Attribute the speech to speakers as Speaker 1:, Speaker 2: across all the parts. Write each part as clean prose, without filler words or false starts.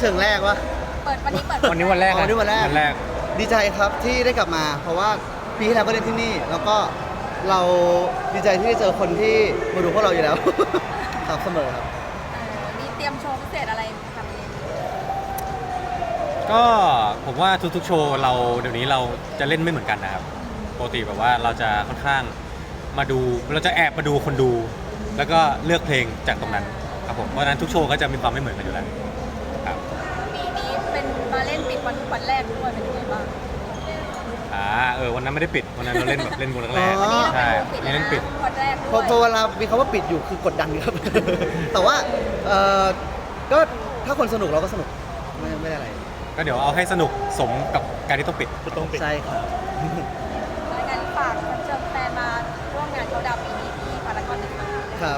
Speaker 1: ชิงแรกวะ
Speaker 2: เปิดวันนี้เปิด
Speaker 3: วันนี้วันแรก
Speaker 1: อ๋อวันนี้วันแรก
Speaker 3: ก
Speaker 1: ดีใจครับที่ได้กลับมา เพราะว่าปีที่แล้วก็เล่นที่นี่ แล้วก็เราดีใจที่ได้เจอคนที่มาดูพวกเราอยู่แล้ว ครับเสมอครับ
Speaker 2: มีเตรียมโชว์พิเศษอะไรทำเอง
Speaker 3: ก็ผมว่าทุกๆโชว์เราเดี๋ยวนี้เราจะเล่นไม่เหมือนกันนะครับปกติแบบว่าเราจะค่อนข้างมาดูเราจะแอบมาดูคนดู แล้วก็เลือกเพลงจากตรงนั้นครับผมเพราะฉะนั้นทุกโชว์ก็จะมีความไม่เหมือนกันอยู่แล้วครับ
Speaker 2: ปีนี้เป็นมาเล่นปิดวันแรกด้วยเป็นยังไงบ้าง
Speaker 3: วันนั้นไม่ได้ปิดวันนั้นเราเล่นแบบเล่นวงแรก
Speaker 1: อ๋อ
Speaker 3: ๆใช่
Speaker 2: วันนี้
Speaker 3: เล่นปิด
Speaker 2: วันแรก
Speaker 1: พอ
Speaker 2: ด้วย
Speaker 1: เวลามีคำว่าปิดอยู่คือกดดันครับ แต่ว่าก็ถ้าคนสนุกเราก็สนุกไม่ได้อะไร
Speaker 3: ก็เดี๋ยวเอาให้สนุกสมกับการที่ต้องปิด
Speaker 1: ใช่ครับ
Speaker 2: รายการฝากเชิญแฟนมาร่วมงานเขาดาวปีนี้ที่พารากอนหนึ่งค่ะ
Speaker 1: ครับ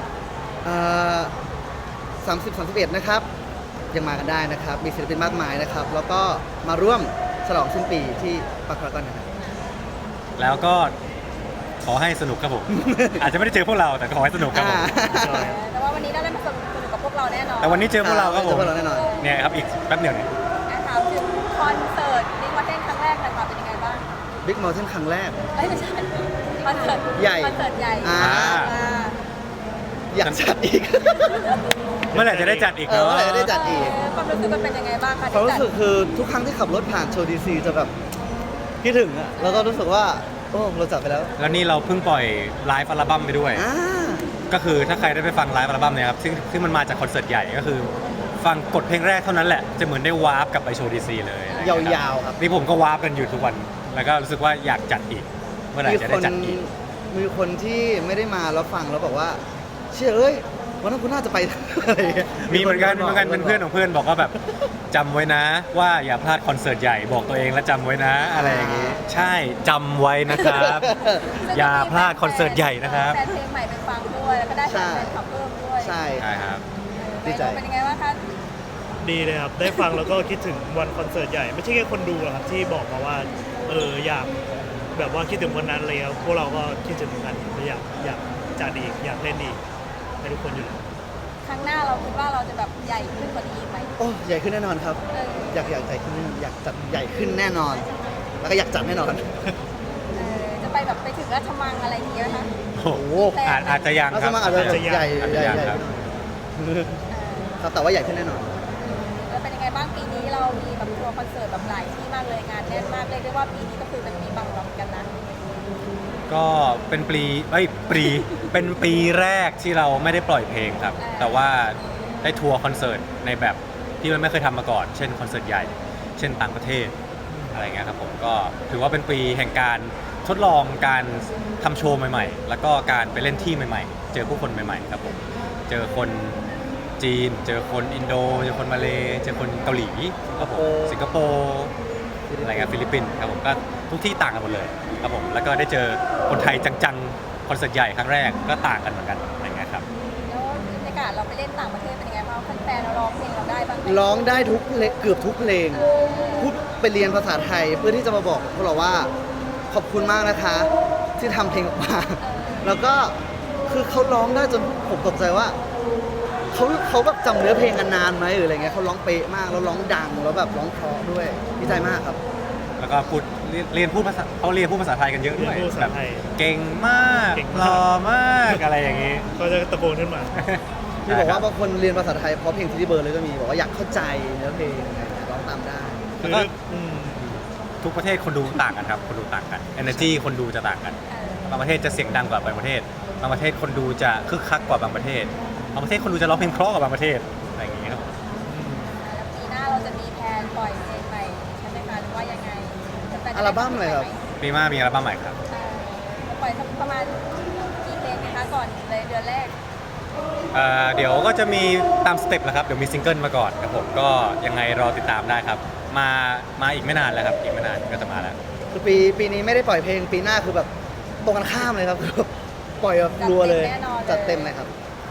Speaker 1: 30-31 นะครับ ยังมากันได้นะครับ มีศิลปินมากมายนะครับ แล้วก็มาร่วมฉลองสิ้นปีที่ปากพารากอนนะครับ
Speaker 3: แล้วก็ขอให้สนุกครับผม อาจจะไม่ได้เจอพวกเราแต่ขอให้สนุกครับผม
Speaker 2: แต่ว่าวันนี้ได้มาสนุกกับพวกเราแน่นอน
Speaker 3: แต่วันนี้เจอพวกเราครับผม
Speaker 1: เจอพวกเราแน่นอน
Speaker 3: เนี่ยครับอีกแป๊บเดียวเนี่ย
Speaker 2: ถามถึงคอนเสิร์ตนิวเทนครั้งแรกหน่อยค่ะเป็นยังไงบ้าง
Speaker 1: บิ๊กมอลเทนครั้งแรก
Speaker 2: ไม่ใช่คอนเสิร์ต
Speaker 1: ใหญ่
Speaker 2: คอนเสิร์ตใหญ่
Speaker 1: อ่า อยากจัดอีก
Speaker 3: เมื่อไหร่จะได้จัดอีก
Speaker 1: เมื่
Speaker 3: เนาะ
Speaker 1: อไหร่จะได้จัดอีก
Speaker 2: ความรู้สึกมันเป็นยังไงบ้างคะ
Speaker 1: ความรู้สึกคือทุกครั้งที่ขับรถผ่านโชว์ดีซีจะแบบคิดถึงอะแล้วก็รู้สึกว่า โอ้เราจัดไปแล้ว
Speaker 3: แล้วนี่เราเพิ่งปล่อยไลฟ์อัลบั้มไปด้วย
Speaker 1: อ่า
Speaker 3: ก็คือถ้าใครได้ไปฟังไลฟ์อัลบั้มเนี่ยครับซึ่งมันมาจากคอนเสิร์ตใหญ่ก็คือ ฟังกดเพลงแรกเท่านั้นแหละจะเหมือนได้วาร์ปกลับไปโชว์ดีซีเลยอะไร
Speaker 1: ย
Speaker 3: เงี้
Speaker 1: าวๆครับ
Speaker 3: นี่ผมก็วาร์ปกันอยู่ทุกวัน แล้วก็รู้สึกว่าอยากจัดอีก เมื่อไหร่จะได้จัดอีก
Speaker 1: มีคนที่ไม่ได้มาแล้วฟังแล้วบอกว่า เชื่อเอ้ยวันนั้นคุณน่าจะไป อะไรอย่างเงี้ย
Speaker 3: มีเหมือนกันเป็นเพื่อนของเพื่อนบอกว่าแบบจำไว้นะว่าอย่าพลาดคอนเสิร์ตใหญ่บอกตัวเองและจำไว้นะ อะไรอย่างงี้ ใช่จำไว้นะครับ อย่าพลาดคอนเสิร์ตใหญ่นะครับ
Speaker 2: แฟนเพลงใหม่ไปฟังด้วยแล้วก็ได้แฟนคลับเพิ่มด้วย
Speaker 1: ใช่
Speaker 3: ใช่ครับ
Speaker 1: ดีใจ
Speaker 2: เป็นยังไงบ้างคะ
Speaker 4: ดีเลยครับ ได้ฟังแล้วก็คิดถึงวันคอนเสิร์ตใหญ่ ไม่ใช่แค่คนดูหรอกครับที่บอกมาว่าอยากแบบว่าคิดถึงวันนั้นเลยครับพวกเราก็คิดถึงเหมือนกันอยากจัดอีกอยากเล่นอีกให้ทุกคนอยู่แล้ว
Speaker 2: ครั้งหน้าเราคิดว่าเราจะแบบใหญ่ขึ้นกว่านี้ไหม
Speaker 1: โอ้ใหญ่ขึ้นแน่นอนครับ อยากใหญ่ขึ้นอยากจัดใหญ่ขึ้นแน่นอน แล้วก็อยากจัดแน่นอน
Speaker 2: จะไปแบบไปถึงราชมังอะไรอย่างเงี้ยไหมคะ
Speaker 3: โอ้โหอาจจะยัง
Speaker 1: แล้ว
Speaker 3: ค
Speaker 1: ส
Speaker 3: รับ
Speaker 1: มัครอาจจะ
Speaker 3: อาจจะยัง
Speaker 1: ใหญ่
Speaker 3: อาจ
Speaker 1: ให
Speaker 3: จะ
Speaker 1: ญ่
Speaker 3: ยัง
Speaker 1: ใหญ่
Speaker 3: ครับ
Speaker 1: ครับแต่ว่าใหญ่ขึ้นแน่นอน
Speaker 2: แล้วเป็นยังไงบ้างปีนี้เรามีแบบทัวร์คอนเสิร์ตแบบหลายที่มากเลยงานแน่นมากเลยเรียกว่าปีนี้ก็คือเป็นปีบังบังกันนะ
Speaker 3: ก็เป็นเป็นปีแรกที่เราไม่ได้ปล่อยเพลงครับ แต่ว่าได้ทัวร์คอนเสิร์ตในแบบที่มันไม่เคยทำมาก่อน เช่นคอนเสิร์ตใหญ่ เช่นต่างประเทศอะไรเงี้ยครับผมก็ถือว่าเป็นปีแห่งการทดลองการทำโชว์ใหม่ๆ แล้วก็การไปเล่นที่ใหม่ๆ เจอผู้คนใหม่ๆครับผมเจอคนจีน เจอคนอินโดเจอคนมาเลเจอคนเกาหลีครับผมสิงคโปร์อะไรเงี้ยฟิลิปปินส์ครับผมก็ทุกที่ต่างกันหมดเลยครับผมแล้วก็ได้เจอคนไทยจังๆคอนเสิร์ตใหญ่ครั้งแรกก็ต่างกันเหมือนกันอะไรเงี้ยครับ
Speaker 2: แล้วบรรยากาศเราไปเล่นต่างประเทศเป็นยังไงบ้างแฟนๆเราร้องเพลงเราได้บ้างไหม
Speaker 1: ร้องได้ทุกเพลงเกือบทุกเพลง พูดไปเรียนภาษาไทยเพื่อที่จะมาบอกพวกเราว่าขอบคุณมากนะคะ ที่ทำเพลงออกมา แล้วก็คือเขาร้องได้จนผมตกใจว่าเขาแบบจำเนื้อเพลงกันนานไหมหรืออะไรเงี้ยเขาร้องเป๊ะมากแล้วร้องดังแล้วแบบร้องเพราะด้วยดีใจมากครับ
Speaker 3: แล้วก็พูดเรียนพูดภาษาเขาเรียนพูดภาษาไทยกันเยอะด้วย
Speaker 4: เรียนพูดภาษาไทย
Speaker 3: แบบเก่งมาก
Speaker 4: เก่ง
Speaker 3: ห
Speaker 4: มาก
Speaker 3: ล่อมากอะไรอย่างงี้
Speaker 4: ก็จะตะโกนขึ้นมา
Speaker 1: ที่บอกว่าบางคนเรียนภาษาไทยเพราะเพลงที่เบอร์เลยก็มีบอกว่าอยากเข้าใจเนื้อเพลงอะไรเงี้ยร้องตามได้
Speaker 3: แล้วก็ทุกประเทศคนดูต่างกันครับคนดูต่างกัน energy คนดูจะต่างกันบางประเทศจะเสียงดังกว่าบางประเทศบางประเทศคนดูจะคึกคักกว่าบางประเทศบางประเทศคนดูจะร้องเพลงเพราะกว่าบางประเทศอะไรอย่างงี้ครับ
Speaker 2: แล้วปีหน้าเราจะมีแพลนปล่อยเพลงใหม่ใช่ไหมคะหรือว่ายังไงแฟนๆจะได้
Speaker 1: อัลบั้มอะไรครับ
Speaker 3: ปีหน้ามีอัลบั้มใหม่ครับ
Speaker 2: ปล่อยสักประมาณกี่เพลงนะคะก่อนเลยเดือนแรก
Speaker 3: เดี๋ยวก็จะมีตามสเต็ปแหละครับเดี๋ยวมีซิงเกิลมาก่อนครับผมก็ยังไงรอติดตามได้ครับมาอีกไม่นานแล้วครับอีกไม่นานก็จะมาแล้ว
Speaker 1: คือปีนี้ไม่ได้ปล่อยเพลงปีหน้าคือแบบตรงกันข้ามเลยครับ คือปล่อยแบบรัวเลยจัดเต็มเลยครับ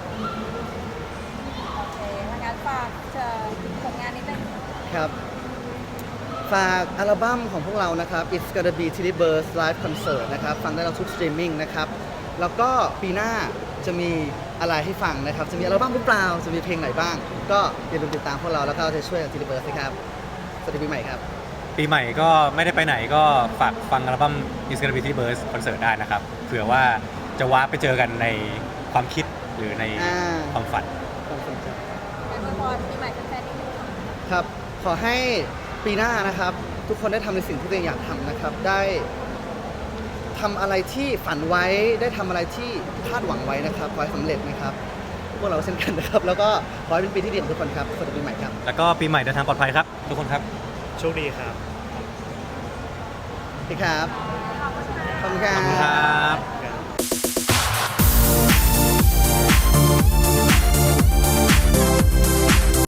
Speaker 2: โอเคทางการฝากผลงานนิดนึง
Speaker 1: ครับ ฝากอัลบั้มของพวกเรานะครับ It's Gonna Be Tilly Birds Live Concert นะครับ ฟังได้เราทุกสตรีมมิ่งนะครับ แล้วก็ปีหน้าจะมีอะไรให้ฟังนะครับ จะมีอัลบั้มหรือเปล่าจะมีเพลงไหนบ้าง ก็อย่าลืมติดตามพวกเราแล้วก็จะช่วยกับทีรีเบิร์สนะครับสวัสดีปีใหม่ครับ
Speaker 3: ปีใหม่ก็ไม่ได้ไปไหนก็ฝากฟังอัลบั้ม Is Gonna Be T Burst คอนเสิร์ตได้นะครับเผื่อว่าจะว้าไปเจอกันในความคิดหรือใน
Speaker 1: อ่า
Speaker 3: ความฝัน
Speaker 1: ความสนใจ
Speaker 2: เป็นอวยพรปีใหม่แฟนๆนิดนึงค่ะ
Speaker 1: ครับ ขอให้ปีหน้านะครับ ทุกคนได้ทำในสิ่งที่ตัวเองอยากทำนะครับ ได้ทำอะไรที่ฝันไว้ได้ทำอะไรที่คาดหวังไว้นะครับขอให้สำเร็จนะครับพวกเราเช่นกันนะครับ แล้วก็ขอให้เป็นปีที่ดีของทุกคนครับสวัสดีปีใหม่ครับ
Speaker 3: แล้วก็ปีใหม่เดินทางปลอดภัยครับ ทุกคนครับ
Speaker 4: โชคดีครับ
Speaker 1: พี่ครับขอบคุณครั
Speaker 3: ขอบคุณครับ บ